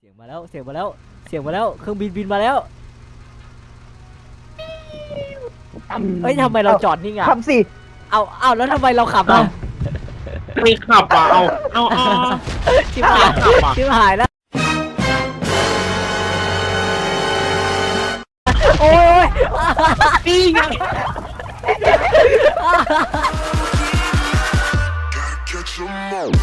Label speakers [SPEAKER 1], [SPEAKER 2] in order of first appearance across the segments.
[SPEAKER 1] เสียงมาแล้วเสียงมาแล้วเสียงมาแล้วเครื่องบินบินมาแล้วเฮ้ยทำไมเราจอดนิ่งอ่ะ
[SPEAKER 2] ขับสิ
[SPEAKER 1] เอาแล้วทำไมเราขับอ่ะ
[SPEAKER 3] ไม่ขับอ่ะเอา
[SPEAKER 1] ชิบหายชิบหายแล้วโอ้ย
[SPEAKER 3] นี่ไง
[SPEAKER 4] Catch 'em all.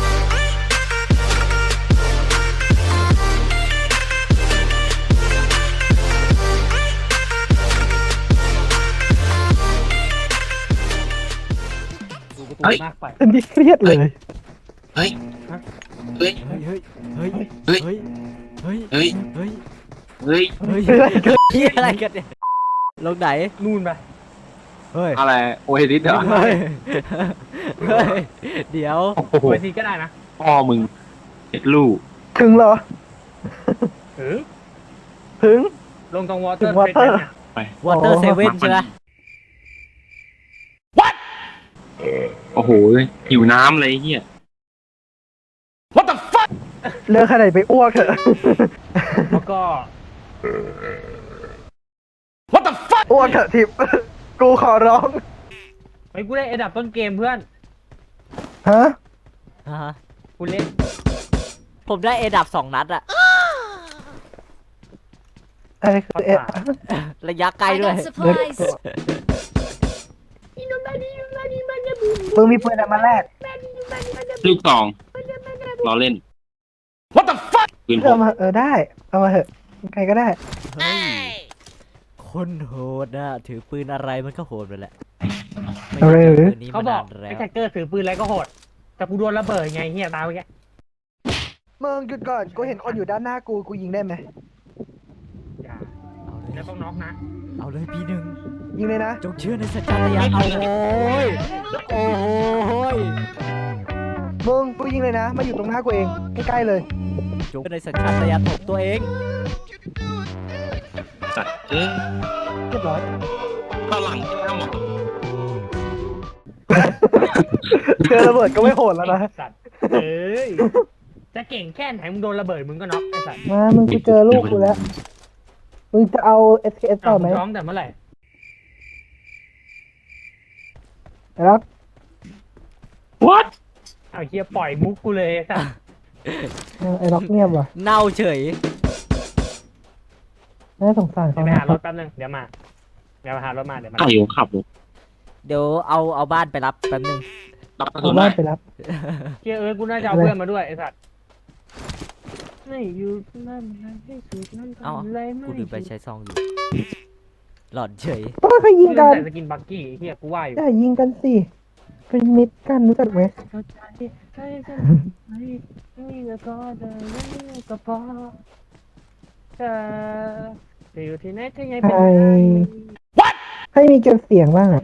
[SPEAKER 2] มากไปอันนี้เครียดเลย
[SPEAKER 3] เฮ้ยเฮ้ย
[SPEAKER 1] เฮ้ยเฮ้ย
[SPEAKER 3] เฮ้ย
[SPEAKER 1] เฮ้ยเฮ้ย
[SPEAKER 3] เฮ้ย
[SPEAKER 1] เฮ้ย
[SPEAKER 3] เฮ้ย
[SPEAKER 1] เฮ้ยเฮ้ยอะไรกันเนี่ยลงไหน
[SPEAKER 2] นู่นไป
[SPEAKER 1] เฮ้ย
[SPEAKER 3] อะไรโอเฮดิสเหรอ
[SPEAKER 1] เฮ้ยเฮ้ยเดี๋ยว
[SPEAKER 3] โอ้โห
[SPEAKER 2] เวทีก็ได้นะ
[SPEAKER 3] พ่อมึงเอ็ดลูก
[SPEAKER 2] ถึงเหรอ
[SPEAKER 5] ถึง
[SPEAKER 2] ถึง
[SPEAKER 5] ลงตรงวอเต
[SPEAKER 2] ถึ
[SPEAKER 5] อร์
[SPEAKER 2] งวอเตอร์
[SPEAKER 5] เนี่ย
[SPEAKER 1] วอเตอร์เซเว่นใช่ไหม
[SPEAKER 3] โอ้โหหิวน้ำอะไรเงี้ย
[SPEAKER 2] เลิกขนาดไปอ้วกเถอะ
[SPEAKER 5] แล้วก็
[SPEAKER 2] อ้วกเถอะทิพย์กูขอร้อง
[SPEAKER 5] ไปกูได้เอดับต้นเกมเพื่อน
[SPEAKER 2] ฮะ
[SPEAKER 1] อ่าฮะ
[SPEAKER 5] กูเล่น
[SPEAKER 1] ผมได้เอดับ2 นัดอะ
[SPEAKER 2] อะไรคือเอ๊ะ
[SPEAKER 1] ระยะไกล
[SPEAKER 6] I
[SPEAKER 1] ด้วย
[SPEAKER 6] got supplies.
[SPEAKER 2] มึงมีปืนอะไรมาแลก
[SPEAKER 3] ลูกสองรอเล่น What the fuck ปืนพ
[SPEAKER 2] เอา
[SPEAKER 3] ก
[SPEAKER 2] มาได้เอามาเถอะใครก็ได้
[SPEAKER 1] เฮ้ยคนโหดนะถือปืนอะไรมันก็โหดไปแหละไม่
[SPEAKER 2] เอาเลย
[SPEAKER 1] ได้
[SPEAKER 2] หรือ
[SPEAKER 1] ปืนนี้
[SPEAKER 5] เขา
[SPEAKER 1] มา
[SPEAKER 5] บ
[SPEAKER 1] นา
[SPEAKER 5] อก
[SPEAKER 1] นแล้
[SPEAKER 5] ไอ้
[SPEAKER 1] ว
[SPEAKER 5] แท็กเกอร์ถือปืนอะไรก็โหด แต่กูโดนระเบิดไงเฮียตายไปแก
[SPEAKER 2] มึงหยุดก่อนกูเห็นคนอยู่ด้านหน้ากูยิงได้ไหม
[SPEAKER 5] อย่า
[SPEAKER 1] เอาเล
[SPEAKER 5] แล้ว
[SPEAKER 1] ย
[SPEAKER 5] ต้องน็อกนะ
[SPEAKER 1] เอาเลยปีหนึ่ง
[SPEAKER 2] ยิงเลยนะ
[SPEAKER 1] จงเชื่อในสัจจญาณเอาโอ้ยโอ้ย
[SPEAKER 2] มึงกูยิงเลยนะมาอยู่ตรงหน้ากูเองใกล้ๆเลย
[SPEAKER 1] จงเชื่อในสัญชาตญาณของตัวเอง
[SPEAKER 3] จัดเออ
[SPEAKER 2] เรียบร้อย
[SPEAKER 3] ฝรั่งที่ทำหมด
[SPEAKER 2] เจอระเบิดก็ไม่โหดแล้วนะ
[SPEAKER 5] สัตว์เอ้ย จะเก่งแค่ไหนมึงโดนระเบิดมึงก็น็อกไอ้สัตว์
[SPEAKER 2] มามึงกูเจอลูกกูแล้วมึงจะเอา SKS ต่อไหม
[SPEAKER 5] ร้องแต่เมื่อไหร่
[SPEAKER 2] ครับ
[SPEAKER 3] What
[SPEAKER 5] เอาเฮียปล่อยมุกกูเลยไอ้สัตว์
[SPEAKER 2] ไอ้ล็อกเงียบว่ะ
[SPEAKER 1] เน่าเฉย
[SPEAKER 2] น่าสงสาร
[SPEAKER 5] เดี๋ย
[SPEAKER 2] เขา
[SPEAKER 5] วไป
[SPEAKER 2] นะ
[SPEAKER 5] หารถแป๊บนึงเดี๋ยวมาเดี๋ยวไปหารถมาเดี๋ยวมา
[SPEAKER 3] ไก่ขับรถ
[SPEAKER 1] เดี๋ยวเอาบ้านไปรับแป๊บนึง
[SPEAKER 3] รับกระ
[SPEAKER 2] เอา
[SPEAKER 3] สุน
[SPEAKER 2] บ้า
[SPEAKER 3] ได้
[SPEAKER 2] นไปรับ
[SPEAKER 5] เฮียกูน่าจะเอาเพื่อนมาด้วยไอ้สัตว์ไม่อยู่นั่นให้สุดนั่น
[SPEAKER 1] เอา
[SPEAKER 5] ทำอะไรไม่
[SPEAKER 1] กูลืมไปใช้ซองอยู่หลอดเฉย
[SPEAKER 2] ต้องใครยิงกัน
[SPEAKER 5] ใส่สกินบักกี้เฮียกูว่าอยู่
[SPEAKER 2] อย่ายิงกันสิเป็นมิตรกันรู้จักไหม
[SPEAKER 5] เข้าใจใช่ใช่ไม่ก็พอเธอไม่ก็พอเธอจะอยู่ที่ไหนที่ไหนเป็นไง
[SPEAKER 2] ให้มีเก็บเสียงบ้างอ่ะ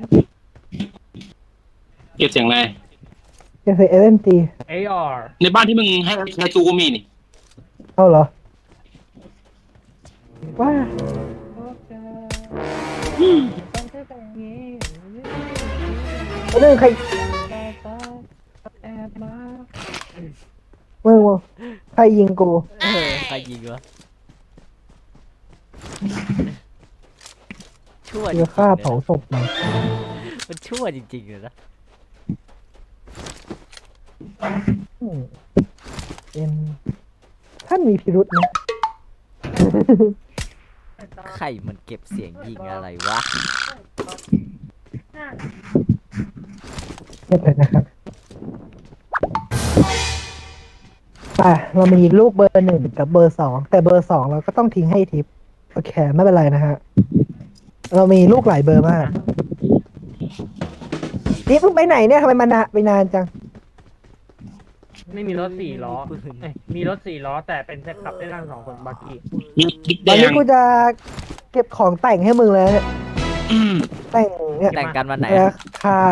[SPEAKER 3] เก็บเสียงอะไร
[SPEAKER 2] เก็บเสียง SMG
[SPEAKER 5] เออาร์
[SPEAKER 3] ในบ้านที่มึงให้จูก็มีนี่
[SPEAKER 2] เอาเหรอว่าเรื่องใครมึงวะใครยิงกู
[SPEAKER 1] ใครยิงวะชั่วจริ
[SPEAKER 2] เดี๋ยว
[SPEAKER 1] งๆ
[SPEAKER 2] ฆ่า
[SPEAKER 1] เลย
[SPEAKER 2] เผา
[SPEAKER 1] นะ
[SPEAKER 2] ศพมัน
[SPEAKER 1] มันชั่วจริงๆเลยนะ
[SPEAKER 2] อืมเป็นท่านมีพิรุษนะ
[SPEAKER 1] ใครมันเก็บเสียงยิงอะไรวะ
[SPEAKER 2] เรียบเลยนะครับเรามีลูกเบอร์ 1กับเบอร์ 2แต่เบอร์ 2เราก็ต้องทิ้งให้ทิปโอเคไม่เป็นไรนะฮะเรามีลูกหลายเบอร์มากนี่เพิ่งไปไหนเนี่ยทำไมมันไปนานจัง
[SPEAKER 5] ไม่มีรถ4 ล้อเอ้ยมีรถ4 ล้อแต่เป็นแค่ขับได้ทั้ง2 คนบักกี้
[SPEAKER 3] มีกิ๊ก
[SPEAKER 2] ต
[SPEAKER 3] แด
[SPEAKER 2] อนนี้
[SPEAKER 3] ง
[SPEAKER 2] กูจะเก็บของแต่งให้มึงเลยเนี่ยแต่งเนี่ย
[SPEAKER 1] แต่งกันวันไหน
[SPEAKER 2] ราคา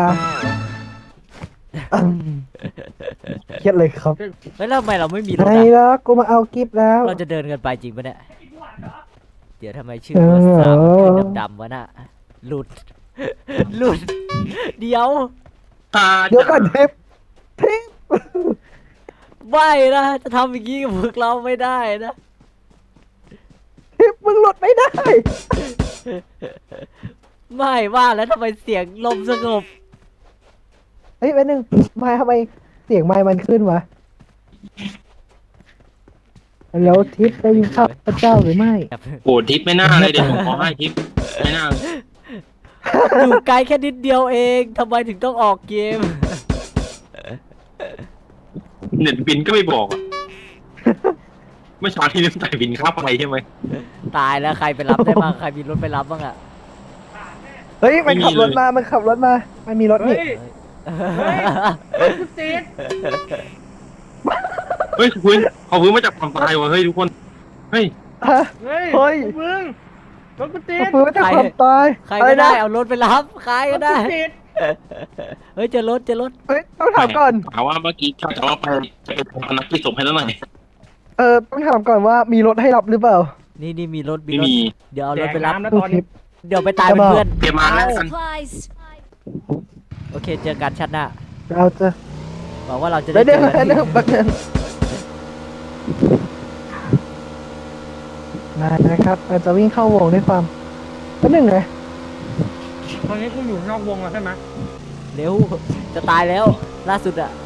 [SPEAKER 2] เครียดเลยครับ
[SPEAKER 1] แล้วทำไมเราไม่มีรถ
[SPEAKER 2] ไหน
[SPEAKER 1] อะ
[SPEAKER 2] แล้วกูมาเอากิฟต์แล้ว
[SPEAKER 1] เราจะเดินกันไปจริงปะเนี่ย เดี๋ยวทำไมชื่อ
[SPEAKER 2] เออ
[SPEAKER 1] ว่าสามคือดำๆวะน่ะหลุด หลุด เดี๋ยว
[SPEAKER 2] เดี๋ยวก่อนทิปทิป
[SPEAKER 1] ไม่นะ จะทำอย่างนี้กับพวกเราไม่ได้นะ
[SPEAKER 2] มึงหลุดไม่ได้
[SPEAKER 1] ไม่ว่าแล้วทำไมเสียงลมสงบ
[SPEAKER 2] เฮ้ยแป๊บนึงไม่ทำไมเสียงไมค์มันขึ้นวะแล้วทิพย์ได้ยินข้าพเจ้าหรือไม่
[SPEAKER 3] โอ้ทิปไม่น่าเลยเดี๋ยวผมขอให้ทิปไม่น่า
[SPEAKER 1] อยู่ไกลแค่นิดเดียวเองทำไมถึงต้องออกเกม
[SPEAKER 3] เน็ตบินก็ไม่บอกอะเมื่อเช้าที่ลืมจ่ายบินค่าไฟใช่ไหม
[SPEAKER 1] ตายแล้วใครไปรับได้บ้างใครมีรถไปรับบ้างอะ
[SPEAKER 2] เฮ้ยมันขับรถมามันขับรถมามันมีรถ
[SPEAKER 5] เฮ้
[SPEAKER 2] นี่
[SPEAKER 5] ยเฮ้ยกูติด
[SPEAKER 3] เฮ้ยคุณเขาพื้นมาจากความตายวะเฮ้ยทุกคนเฮ้ย
[SPEAKER 2] ฮะ
[SPEAKER 5] เฮ้ย
[SPEAKER 2] เฮ้ย
[SPEAKER 5] มึงรถกูติด
[SPEAKER 2] ฟื้นจากความตาย
[SPEAKER 1] ใคร
[SPEAKER 2] อะไร
[SPEAKER 1] ก็ได้
[SPEAKER 2] นะ
[SPEAKER 1] เอารถไปรับใคร
[SPEAKER 5] ร
[SPEAKER 1] ก็
[SPEAKER 5] ถ
[SPEAKER 1] ได้
[SPEAKER 5] กูติด
[SPEAKER 1] เฮ้ยเจอรถ
[SPEAKER 2] เฮ้ยต้องถามก่อน
[SPEAKER 3] ถามว่าเมื่อกี้จะว่าไปทำนักกิจศพให้แล้วหน่อย
[SPEAKER 2] ต้องถามก่อนว่ามีรถให้รับหรือเปล่า
[SPEAKER 1] นี่มีรถ
[SPEAKER 3] ไม่
[SPEAKER 1] รถ
[SPEAKER 3] มี
[SPEAKER 1] เดี๋ยวเอา
[SPEAKER 5] แด
[SPEAKER 1] รถ
[SPEAKER 5] ก
[SPEAKER 1] ไปรับ
[SPEAKER 5] น้ำนะ
[SPEAKER 2] ตู้
[SPEAKER 5] ตอน
[SPEAKER 2] ทิ
[SPEAKER 5] นี้
[SPEAKER 2] พย์
[SPEAKER 1] เดี๋ยวไปตายเป็นเพื่อน
[SPEAKER 3] เตรียมมาแล้วกัน
[SPEAKER 6] Supplies.
[SPEAKER 1] โอเคเจอกันชัดหน้า
[SPEAKER 2] เราจะ
[SPEAKER 1] หวังว่าเราจะ
[SPEAKER 2] ได้
[SPEAKER 1] ได้
[SPEAKER 2] เดี๋
[SPEAKER 1] เจ
[SPEAKER 2] ยว
[SPEAKER 1] อกัน
[SPEAKER 2] เดี๋ยวแป๊บนึงได้นะครับเราจะวิ่งเข้าวงด้วยความแป๊บนึงไง
[SPEAKER 5] ตอนนี้กูอยู่นอกวงแล้วใช่ไหม
[SPEAKER 1] เร็วจะตายแล้วล่าสุดอะ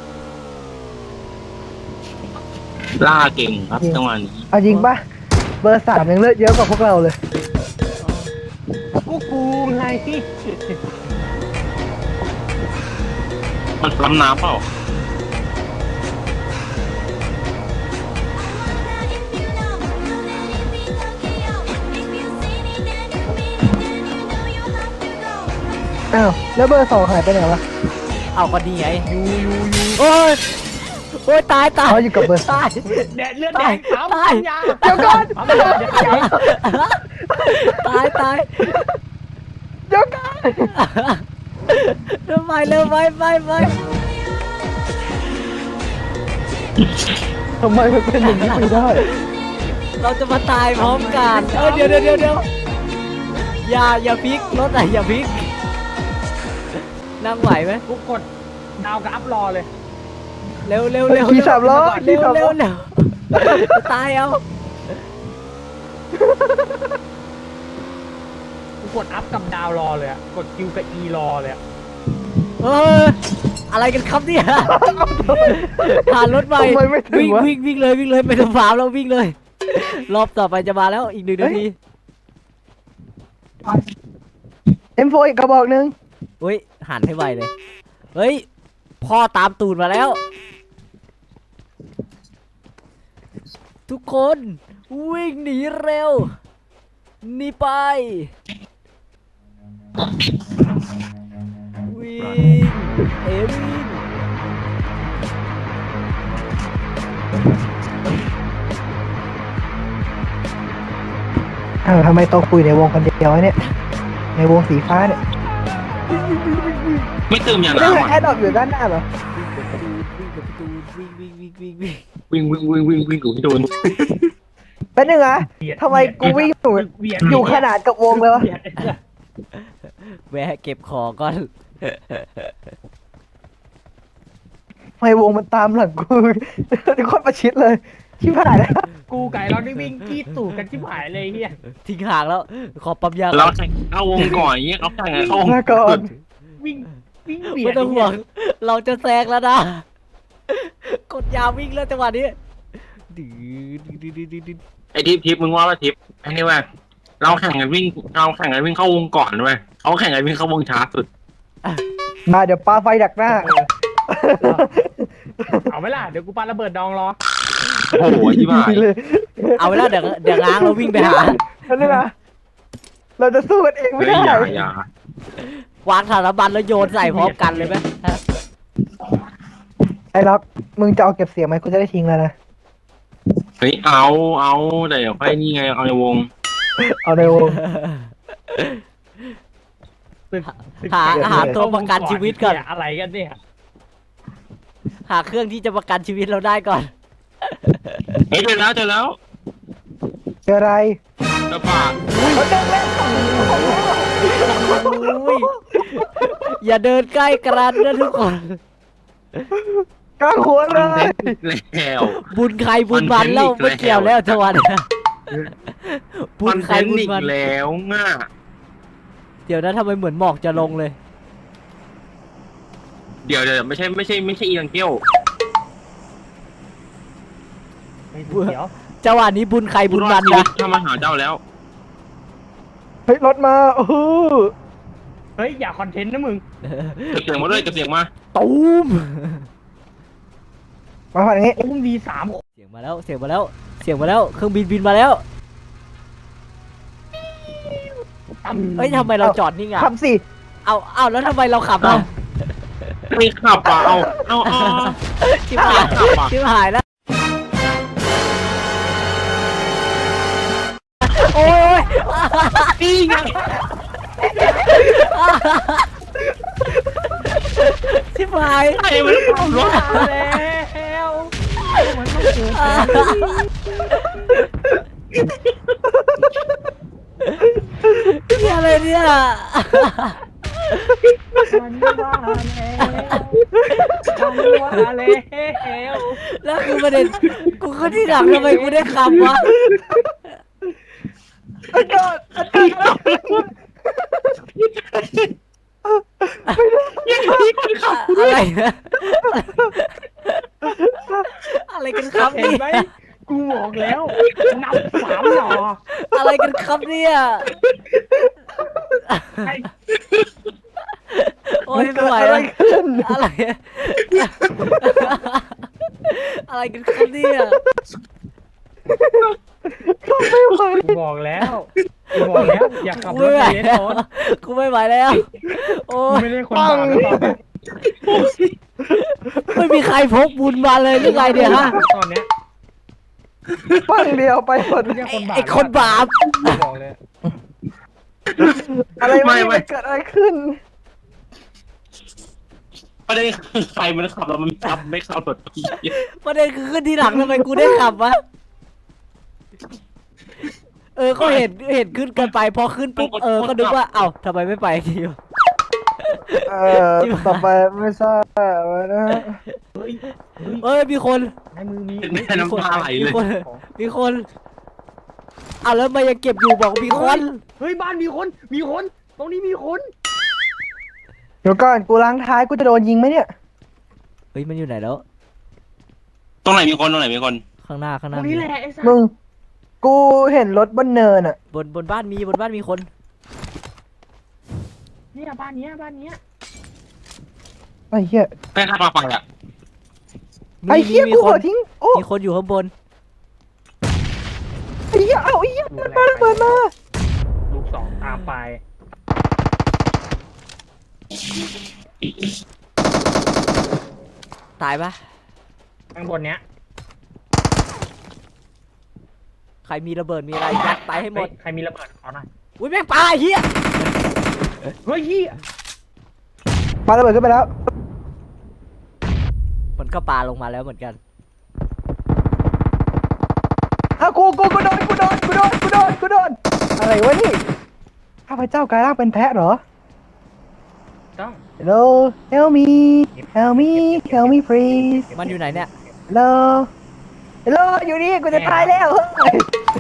[SPEAKER 3] ล่าเก่งครับจังหวะนี้
[SPEAKER 2] เอาจริงปะเบอร์ 3ยังเลือดเยอะกว่าพวกเราเลย
[SPEAKER 5] กูไง
[SPEAKER 3] มันล้ำน้ำเปล่า
[SPEAKER 2] อ้าวแล้วเบอร์ 2หายไปไหนวะ
[SPEAKER 1] เอาก็ดีไงโอ้ยโอ้ยตาย
[SPEAKER 2] เขาอยู่กับเบอร์
[SPEAKER 1] ตาย
[SPEAKER 5] แดดเลือดแดงปั๊ม
[SPEAKER 1] ตาย
[SPEAKER 5] ยา
[SPEAKER 2] เดี๋ยวก่อน
[SPEAKER 5] ปั๊มยาเดี๋ยวก่อน
[SPEAKER 1] ตาย
[SPEAKER 2] เดี๋ยวก่อน
[SPEAKER 1] เร็วไป
[SPEAKER 2] ทำไมมันเป็นอย่างนี้ไม่ได้
[SPEAKER 1] เราจะมาตายพร้อมกันเดี๋ยวอย่าพลิกรถไหนอย่าพลิกนั่งไหวไหม
[SPEAKER 5] กูกดดาวกับอัพรอเลย
[SPEAKER 1] เร็ว
[SPEAKER 2] ขี่สามล้อ
[SPEAKER 1] เร็
[SPEAKER 2] ขี่
[SPEAKER 1] ว
[SPEAKER 2] สามล้อ
[SPEAKER 1] ตายเอา
[SPEAKER 5] กูกดอัพกับดาวรอเลยอะกดคิวกับอีรอเลยอะ
[SPEAKER 1] เอออะไรกันครับเนี่ยผ่านรถไป
[SPEAKER 2] ทำไมไม่ถึงวะ
[SPEAKER 1] วิ่งเลยไม่ต้องฟาร์มแล้ววิ่งเลย รอบต่อไปจะมาแล้วอีก1 นาที
[SPEAKER 2] M4 อีกกระบอกหนึง
[SPEAKER 1] เฮ้ยหันให้ไวเลยเฮ้ยพ่อตามตูดมาแล้ว ทุกคนวิ่งหนีเร็วหนีไปวิ่งวิ่ง
[SPEAKER 2] อ้าวทำไมโตคุยในวงคนเดียววะเนี่ย ในวงสีฟ้าเนี่ย
[SPEAKER 3] ไม่เติมยา
[SPEAKER 2] นี่
[SPEAKER 3] น้ำ
[SPEAKER 2] คือ
[SPEAKER 3] อ่ะ
[SPEAKER 2] แอดดอกอยู่ด้านหน้าเหรอ
[SPEAKER 1] วิ่ง
[SPEAKER 3] วิ่งกูไม่โดน
[SPEAKER 2] เป็นยังไงทำไมกูวิ่งอยู่ขนาดกับวงเลยวะ
[SPEAKER 5] เบียดไอ้เหี้ย
[SPEAKER 1] แวะเก็บของก่อน
[SPEAKER 2] ทำไมวงมันตามหลังกูโคตรประชิดเลยชิบหายแล้ว
[SPEAKER 5] กูไก่เราได้วิ่งจี้ตูดกันชิบหายเลยไอ้เฮีย
[SPEAKER 1] ทิ้งห่างแล้วขอปั๊มยา
[SPEAKER 3] เราแข่งเข้าวงก่อนอย่างเงี้ยเขาแข่งเข้าวง
[SPEAKER 2] มาก่อน
[SPEAKER 5] วิ่งเบียด
[SPEAKER 1] ไม่ต้องห่วงเราจะแซงแล้วนะกดยาวิ่งแล้วจังหวะนี้ดื้อ
[SPEAKER 3] ไอ้ทิปมึงว่าทิปไอ้นี่ว่าเราแข่งกันวิ่งเข้าวงก่อนด้วยเขาแข่งกันวิ่งเข้าวงช้าสุด
[SPEAKER 2] มาเดี๋ยวปาไฟดักหน้า
[SPEAKER 5] เอาไหมล่ะเดี๋ยวกูปาระเบิดดองรอ
[SPEAKER 3] โอ้โหที่บ้า
[SPEAKER 2] เลย
[SPEAKER 1] เอาไว้แล้วเดี๋ยวง้างเราวิ่งไปหา
[SPEAKER 2] นั่นนี่นะเราจะสู้กันเองไม่
[SPEAKER 3] เฮ้ย
[SPEAKER 2] ได้
[SPEAKER 3] อย่า
[SPEAKER 1] วางสารบัญแล้วโยนใส่พร้อมกันเลยไหมฮะ
[SPEAKER 2] ไอ้ล็อกมึงจะเอาเก็บเสียงไหมกูจะได้ทิ้งแล้วนะ
[SPEAKER 3] เฮ้ยเอาแต่เดี๋ยวค่อยนี่ไงเอาในวง
[SPEAKER 2] เอาในวง
[SPEAKER 1] หาตัวประกันชีวิตก่อน
[SPEAKER 5] อะไรกันเนี่ย
[SPEAKER 1] หาเครื่องที่จะประกันชีวิตเราได้ก่อน
[SPEAKER 3] เฮ้ยเจอแล้ว
[SPEAKER 2] เจออะไร
[SPEAKER 3] กระบะ
[SPEAKER 1] อุ้ยอย่าเดินใกล้กระดนะทุกคน
[SPEAKER 2] กลางหัวเลย
[SPEAKER 3] แล้ว
[SPEAKER 1] บุญใครบุญมันแล้วไม่เกี่ยวแล้วจังหวะเนี้ยบุ
[SPEAKER 3] คอ
[SPEAKER 1] ญ
[SPEAKER 3] น
[SPEAKER 1] ใค
[SPEAKER 3] เท
[SPEAKER 1] ร
[SPEAKER 3] นต์
[SPEAKER 1] บุญ
[SPEAKER 3] อีก
[SPEAKER 1] มัน
[SPEAKER 3] แล้วง่ะ
[SPEAKER 1] เดี๋ยวนะทำไมเหมือนหมอกจะลงเลย
[SPEAKER 3] เดี๋ยวไม่ใช่อีลังเกี้ยว
[SPEAKER 5] ไม่ถูกเดี๋ยว
[SPEAKER 1] จังหวะนี้บุญใครบุญมัน
[SPEAKER 3] ชีวิ
[SPEAKER 1] นะ
[SPEAKER 3] ตถ้ามาหาเจ้าแล้ว
[SPEAKER 2] เฮ้ยรถมาโอ้โห
[SPEAKER 5] เฮ้ยอย่าคอนเทนต์นะมึง
[SPEAKER 3] เก็บเสียงมาด้วยเก็บเสียงมา
[SPEAKER 1] ตูม
[SPEAKER 2] มาฝั่งนี้
[SPEAKER 5] อุ้มดีสาม
[SPEAKER 1] เสียงมาแล้วเสียงมาแล้วเสียงมาแล้วเครื่องบินบินมาแล้ว เฮ้ยทำไมเราจอดนิ่งอ่ะ
[SPEAKER 2] ขับสิ
[SPEAKER 1] เอาแล้วทำไมเราขับอ่ะ
[SPEAKER 3] ไม่ขับอ่ะเอา
[SPEAKER 1] ชิบหาย
[SPEAKER 3] ขับอ่ะ
[SPEAKER 1] ชิบหายแล้วโอ้ย
[SPEAKER 3] นี่ไง
[SPEAKER 1] ชิบหาย
[SPEAKER 3] ใครมันขับรถ
[SPEAKER 5] มาแล้วมันต้องเกิด
[SPEAKER 1] นี่อะไรเนี่ย
[SPEAKER 5] มันว่าแล้ว
[SPEAKER 1] แล้วคือประเด็นกูขึ้นที่หลังทำไมกูได้ขับวะ
[SPEAKER 2] อากาศอากาศ
[SPEAKER 1] อะไรนะอะไรกันครับ
[SPEAKER 5] เห็น
[SPEAKER 1] นี่
[SPEAKER 5] ไหมกูบอกแล้วนับสามหน่อ
[SPEAKER 1] อะไรกันครับเนี่ยโอ้ยไม่ไหว
[SPEAKER 2] อะไร
[SPEAKER 1] แล้ว
[SPEAKER 2] ขึ้น
[SPEAKER 1] อะไรอะไรกันครับเนี่ย
[SPEAKER 2] ไม่ไหว
[SPEAKER 5] กูบอกแล้วอย่าขับ
[SPEAKER 1] กู
[SPEAKER 5] ร
[SPEAKER 1] ไม่
[SPEAKER 5] ถ
[SPEAKER 1] ไหว
[SPEAKER 5] ในเลน
[SPEAKER 1] แล้ว
[SPEAKER 5] โซน
[SPEAKER 1] กูไม่ไหวแล้วโอ้
[SPEAKER 5] กู
[SPEAKER 1] ย
[SPEAKER 5] ไม่ได้คนบาปหรือเปล่า
[SPEAKER 1] ไม่มีใครพกบุญมาเลยหรือไงเนี่ยฮะ
[SPEAKER 5] ตอนเนี้ย
[SPEAKER 2] ปั้งเดียวไปหมด
[SPEAKER 5] ไม่ใช่คนบาป
[SPEAKER 1] ไอ้คนบาป
[SPEAKER 5] กูบอกเลย
[SPEAKER 2] อะไรวะเนี่ยมันเกิดอะไรขึ้น
[SPEAKER 3] ประเด็นคือใครมันขับแล้วมันขับไม่ขับรถพี่
[SPEAKER 1] ประเด็นคือขึ้นทีหลังทำไมกูได้ขับวะก็เห็นขึ้นกันไปพอขึ้นปุ๊บก็นึกว่าเอ้าทำไมไม่ไปทีวะ
[SPEAKER 2] ต่อไปไม่ทราบนะ
[SPEAKER 5] เฮ้ย
[SPEAKER 1] มีคน
[SPEAKER 5] ในมือมี
[SPEAKER 3] เป็นแม่น้ำตาไหลเลย
[SPEAKER 1] มีคนเอาแล้วมายังเก็บอยู่บอกมีคน
[SPEAKER 5] เฮ้ยบ้านมีคนตรงนี้มีคน
[SPEAKER 2] เดี๋ยวก่อนกูล้างท้ายกูจะโดนยิงไหมเนี่ย
[SPEAKER 1] เฮ้ยมันอยู่ไหนแล้ว
[SPEAKER 3] ตรงไหนมีคน
[SPEAKER 1] ข้างหน้า
[SPEAKER 5] ตรงนี้แหละไอ้สัส
[SPEAKER 2] มึง กูเห็นรถบนเนินอ่ะ
[SPEAKER 1] บนบ้านมีคน
[SPEAKER 5] เนี่ยบ้านเนี้ย
[SPEAKER 2] ไอ้เหี้ย
[SPEAKER 3] แม่ขับมาฝั่งอ่ะ
[SPEAKER 2] ไอ้เหี้ย
[SPEAKER 1] มี
[SPEAKER 2] กู
[SPEAKER 1] ค
[SPEAKER 2] หัวน ทิ้งโอ้
[SPEAKER 1] มีคนอยู่ข้างบน
[SPEAKER 2] ไอ้เหี้ยเอาไอ้เหี้ย
[SPEAKER 5] ลูกแร
[SPEAKER 2] มาก ระเบิดมา
[SPEAKER 5] ลูกสองตามไป
[SPEAKER 1] ตายปะ
[SPEAKER 5] ข้างบนเนี้ย
[SPEAKER 1] ใครมีระเบิดมีอะไรยัดไปให้หมด
[SPEAKER 5] ใครมีระเบิดขอหน่อย
[SPEAKER 1] อุ้ยแม่งปลาไอ้เหี้ย
[SPEAKER 5] เฮ้ยเหี้ย
[SPEAKER 2] ปาระเบิดขึ้นไปแล้ว
[SPEAKER 1] มันก็ปลาลงมาแล้วเหมือนกัน
[SPEAKER 2] อ้าวกูโดนอะไรวะนี่ข้าพเจ้ากลายร่างเป็นแพะเหรอ
[SPEAKER 5] ต้อง
[SPEAKER 2] Hello help me please
[SPEAKER 1] มันอยู่ไหนเนี่ย
[SPEAKER 2] Hello อยู่นี่กูจะตายแล้วเฮ้ย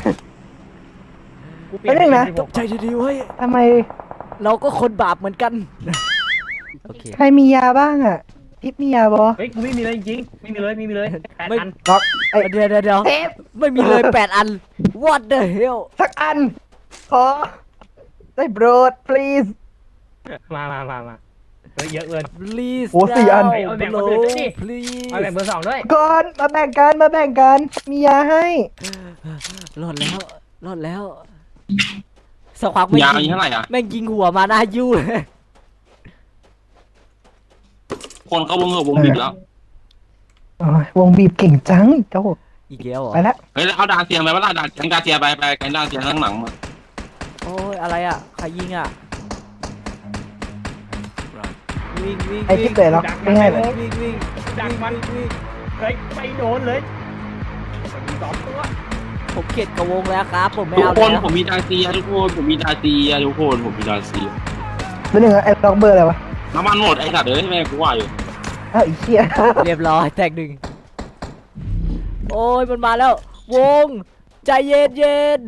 [SPEAKER 5] กูเปลี่ยน
[SPEAKER 2] ไปหนึ่งนะ
[SPEAKER 5] เป็16
[SPEAKER 1] ใจดีๆเว้ย
[SPEAKER 2] ทำไม
[SPEAKER 1] เราก็คนบาปเหมือนกัน โอเค
[SPEAKER 2] ใครมียาบ้างอ่ะทิปมียาบอ
[SPEAKER 5] เฮ้ยกูไม่มีเลยจริงๆไม่มีเลยแปด
[SPEAKER 1] ไม่
[SPEAKER 5] อัน
[SPEAKER 2] ล็อกไอ้
[SPEAKER 1] เดี๋ยว
[SPEAKER 2] เทป
[SPEAKER 1] ไม่มีเลย8 อัน What the hell
[SPEAKER 2] สักอัน ขอ ได้โปรด please
[SPEAKER 5] มาเฮ้ยเยอะเกิน
[SPEAKER 1] please
[SPEAKER 2] โอ้4 อัน
[SPEAKER 1] now
[SPEAKER 5] เอาแบ่งคนอื่นด้วยดิ
[SPEAKER 1] please
[SPEAKER 5] เอาแบ่งเบอร์2ด้วย
[SPEAKER 2] ก่อนมาแบ่งกัน มียาให้
[SPEAKER 1] รอดแล้วสักพักไม่
[SPEAKER 3] ยาว
[SPEAKER 1] ยิ
[SPEAKER 3] นี้เท่าไหร่อ่ะ
[SPEAKER 1] แม่งยิงหัวมาหน้ายู่เลย
[SPEAKER 3] คนเข้าวงบิดแล้ว
[SPEAKER 2] โอ้ยวงบีบเก่งจังเจ้า
[SPEAKER 1] อีกแล้วเหรอ
[SPEAKER 2] ไปแล้ว
[SPEAKER 3] เฮ้ยเอาดาเซียไปว่าดาแกงดาเซียไปแกงดาเซียข้างหลังมา
[SPEAKER 1] โอ้ยอะไรอ่ะใครยิงอ่ะวิ่ง
[SPEAKER 2] ไอ้ที่เตะล็อกไม่ให้เลย
[SPEAKER 1] วิ่ง
[SPEAKER 5] ดักมัน
[SPEAKER 1] วิ่ง
[SPEAKER 5] เฮ้ยไม่โดนเลยมี2 ตัว
[SPEAKER 1] ผมเข็ดกับวงแล้วครับผมไม่
[SPEAKER 3] ทุก
[SPEAKER 1] เอา
[SPEAKER 3] คน
[SPEAKER 1] แล้ว
[SPEAKER 3] ผมมีดาเซียทุกคนผมมีดาเซีย
[SPEAKER 2] เป็นหนึ่งไอ้ล็อกเบอร์อะไรวะ
[SPEAKER 3] น้ำมันหมดไอ้สัตว์เอ้ยแม่กูว่าอยู่
[SPEAKER 2] อ้าวไอ้เหี้ย
[SPEAKER 1] เรียบร้อยแตกหนึ่งโอ้ยมันมาแล้ว วงใจเย็นเย็น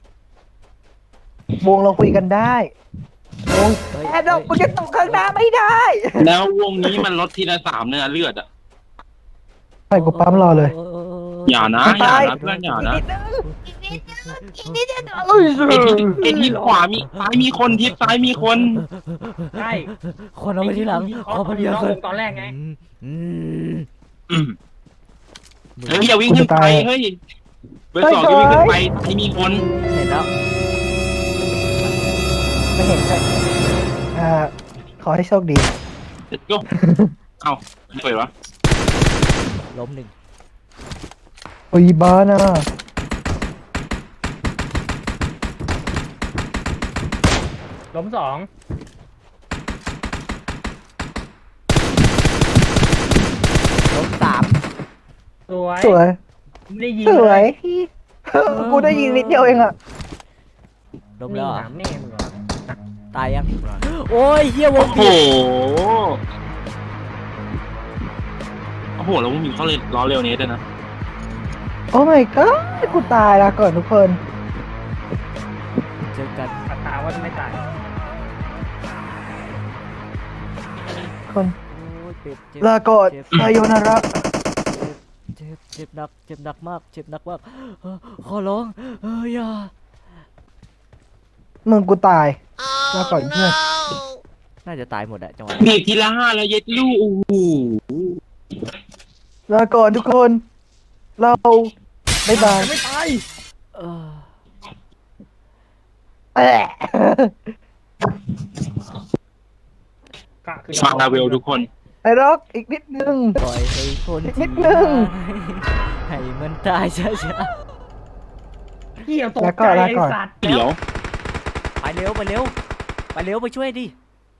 [SPEAKER 2] วงเราคุยกันได้วง
[SPEAKER 1] เฮ้ย
[SPEAKER 2] แอดดอกมึงจะตกข้างหน้าไม่ได้
[SPEAKER 3] แล้ววงนี้มันลดทีละ3เนี่ยเลือดอ่ะ
[SPEAKER 2] ไปกูปั๊มรอเลย
[SPEAKER 3] อย่านะอย่านะเพื่อนอย่านะ
[SPEAKER 2] เอ้ย
[SPEAKER 3] ไอ้ทิศขวามีซ้ายมีคนทิศซ้ายมีคน
[SPEAKER 5] ใช่
[SPEAKER 1] คนเอาไปที่หลังขอพเดียว
[SPEAKER 5] น้อง
[SPEAKER 1] เล
[SPEAKER 5] วย งตอนแรกไง
[SPEAKER 1] อืม
[SPEAKER 3] อืมเฮ้ยอย่าวิ่งขึ้นไปเฮ้ยเบอร์ 2อย่าวิ่งขึ้นไปซ้ายมีคน
[SPEAKER 1] เห็นแล้ว
[SPEAKER 2] ไม่เห็นใช่ขอให้โชคดี
[SPEAKER 3] เด็ดก็เอ้าไม่เปิดวะ
[SPEAKER 1] ล้มหนึ่ง
[SPEAKER 2] โอ้ยบ้านะ
[SPEAKER 5] ล้มสอง
[SPEAKER 1] ล้มสาม
[SPEAKER 5] สวย
[SPEAKER 2] สวย
[SPEAKER 5] ไม่ได้ยิง
[SPEAKER 2] สวย
[SPEAKER 5] เลย
[SPEAKER 2] กูได้ยิงนิดเดียวเองอะ
[SPEAKER 1] ล้ม
[SPEAKER 5] นี่
[SPEAKER 1] แล้วเหรอ
[SPEAKER 5] ถามแม่มึงเหรอ
[SPEAKER 1] ตายยัง โอ้ยเฮียว
[SPEAKER 3] โอ้
[SPEAKER 1] ง
[SPEAKER 3] โห
[SPEAKER 1] บีบ
[SPEAKER 3] โอ้โหแล้วมึงมีเขาเลยล้อเร็วนี้ด้วยนะ
[SPEAKER 2] โอ้ my god กูตายละก่อนทุกคน
[SPEAKER 1] เจอกัน
[SPEAKER 5] อัตราว่าจะไม่ตาย
[SPEAKER 2] คน
[SPEAKER 1] โอ้ยเจ็บเจ็บ
[SPEAKER 2] ลาก่อน
[SPEAKER 1] เจ็บ
[SPEAKER 2] ไซโยนาระ
[SPEAKER 1] เจ็บหนักเจ็บหนักมากเจ็บหนักมากขอร้องอย่า
[SPEAKER 2] มึงกูตายลาก่อนเพื่อน
[SPEAKER 1] น่าจะตายหมดอะจังหวะ
[SPEAKER 3] บีบทีละ5แล้วเย็ดลูกโอ้โห
[SPEAKER 2] ลาก่อนทุกคน เราบ๊ายบาย
[SPEAKER 5] ไม่ตาย
[SPEAKER 1] เออ
[SPEAKER 2] แอะ
[SPEAKER 5] กะคือ
[SPEAKER 3] ฟังลาเวลทุกคน
[SPEAKER 2] ไอ้ร็อกอีกนิดนึง
[SPEAKER 1] ปล่อยให้คน
[SPEAKER 2] นิ
[SPEAKER 1] ที่
[SPEAKER 2] ดนึง
[SPEAKER 1] ให้มันตายช้า
[SPEAKER 5] เหี้ยตก
[SPEAKER 2] แล้วก็
[SPEAKER 5] ใจ
[SPEAKER 2] แล้ว
[SPEAKER 5] ไอ้
[SPEAKER 2] ก่อน
[SPEAKER 5] สัตว์
[SPEAKER 3] เดี๋ยว
[SPEAKER 1] ๆไปเร็วไปเร็วไปเร็วไปช่วยดิ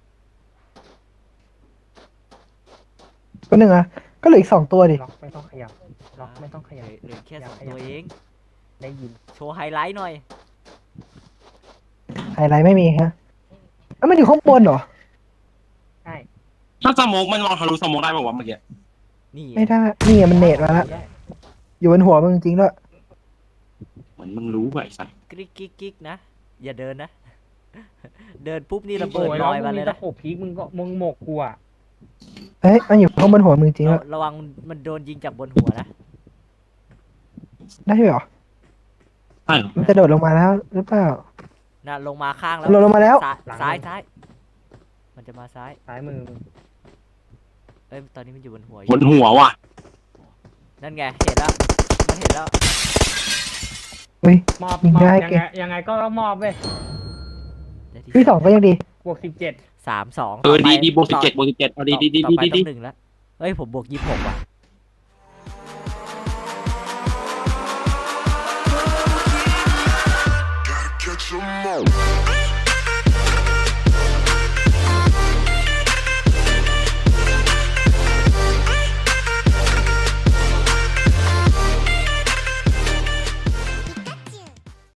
[SPEAKER 2] ก็หนึ่งอะก็เหลืออีก2 ตัวดิ
[SPEAKER 5] ล็อกไม่ต้องขยับล็อกไม่ต้องขยับ
[SPEAKER 1] เหลือแค่สองตัวเอง
[SPEAKER 5] ได้ยิน
[SPEAKER 1] โชว์ไฮไลท์หน่อย
[SPEAKER 2] ไฮไลท์ไม่มีฮะเอ้ยมันอยู่ข้างบนเหรอ
[SPEAKER 5] ใช่
[SPEAKER 3] ถ้าสโมกมันมองทะลุสโมกได้ป่าววะเมื่อกี้
[SPEAKER 1] นี่
[SPEAKER 2] ไม่ได้ นี่ไงมันเนตมาแล้ว อยู่บนหัวมึงจริงด้วย
[SPEAKER 3] เหมือนมึงรู้ไว้สัตว์
[SPEAKER 1] กริ๊กกิ๊กกิ๊กนะ อย่าเดินนะ เดินปุ๊บนี่ระเบิด
[SPEAKER 5] โอ้ย
[SPEAKER 1] ล
[SPEAKER 5] แล้ว
[SPEAKER 1] อย
[SPEAKER 5] มึ
[SPEAKER 1] มาง เล
[SPEAKER 5] มี
[SPEAKER 1] ย
[SPEAKER 5] ตะ
[SPEAKER 1] นะ
[SPEAKER 5] โขบพีกมึงก็มึงหมกกูอ่ะ
[SPEAKER 2] เฮ้ย มันอยู่ข้างบนหัวมึงจริงด้วย
[SPEAKER 1] ระวังมันโดนยิงจากบนหัวนะ
[SPEAKER 2] ได้ด้วยเหรอ
[SPEAKER 3] ใช่เหรอ
[SPEAKER 2] มันจะโดดลงมาแล้วหรือเปล่า
[SPEAKER 1] น่ะลงมาข้างแล้ว
[SPEAKER 2] โดดลงมาแล้ว
[SPEAKER 1] ซ้ายมันจะมาซ้าย
[SPEAKER 5] ซ้ายมือมึง
[SPEAKER 1] เอ้ยตอนนี้มันอยู่บนหัวอบ
[SPEAKER 3] น
[SPEAKER 1] ยู่
[SPEAKER 3] หัวว่ะ
[SPEAKER 1] นั่นไงเห็นแล้วมันเห็นแล้ว
[SPEAKER 2] เฮ้ย
[SPEAKER 5] มอบ
[SPEAKER 2] ยิง
[SPEAKER 5] มอบ
[SPEAKER 2] ได้
[SPEAKER 5] ยัง
[SPEAKER 2] เก่
[SPEAKER 5] ไง
[SPEAKER 2] ง
[SPEAKER 5] ยังไงก็ต้องมอบเว้ย
[SPEAKER 1] ได้ที่
[SPEAKER 2] ที่2ก็ยังดี
[SPEAKER 5] บวก17
[SPEAKER 1] 3-2
[SPEAKER 3] เออดี
[SPEAKER 1] ต่ไป
[SPEAKER 3] ดีบวก17บวก17เอาดีดีดี
[SPEAKER 1] ต่อ
[SPEAKER 3] ดี
[SPEAKER 1] ไป
[SPEAKER 3] ดี
[SPEAKER 1] ต้อง1แล้วเฮ้ยผมบวก26ว่ะ